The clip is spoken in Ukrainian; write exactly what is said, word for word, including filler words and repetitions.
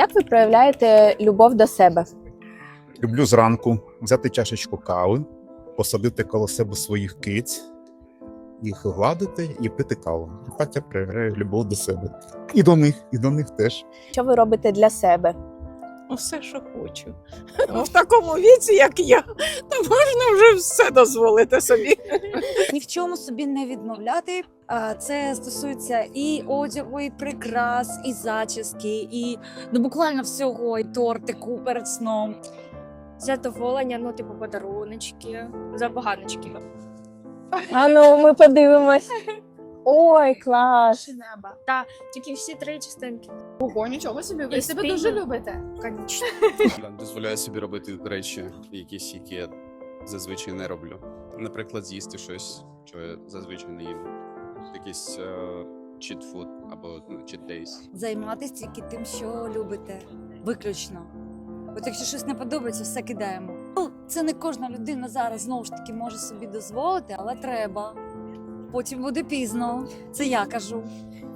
Як ви проявляєте любов до себе? Люблю зранку взяти чашечку кави, посадити коло себе своїх киць, їх гладити і пити каву. І так я проявляю любов до себе. І до них, і до них теж. Що ви робите для себе? Все, що хочу. Ну, в такому віці, як я, то можна вже все дозволити собі. Ні в чому собі не відмовляти. А, Це стосується і одягу, і прикрас, і зачіски, і ну буквально всього, і тортику перед сном. Задоволення, ну, типу, подаруночки, забаганочки. А ну, ми подивимось. Ой, клас! Неба. Та тільки всі три частинки. Ого, нічого собі, ви І себе спільно. дуже любите. Конечно. Я дозволяю собі робити речі, якісь, які я зазвичай не роблю. Наприклад, з'їсти щось, що я зазвичай не їм. Якийсь чіт-фуд або cheat days. Займатися тільки тим, що любите. Виключно. От якщо щось не подобається, все кидаємо. Ну, це не кожна людина зараз знову ж таки може собі дозволити, але треба. Потім буде пізно. Це я кажу.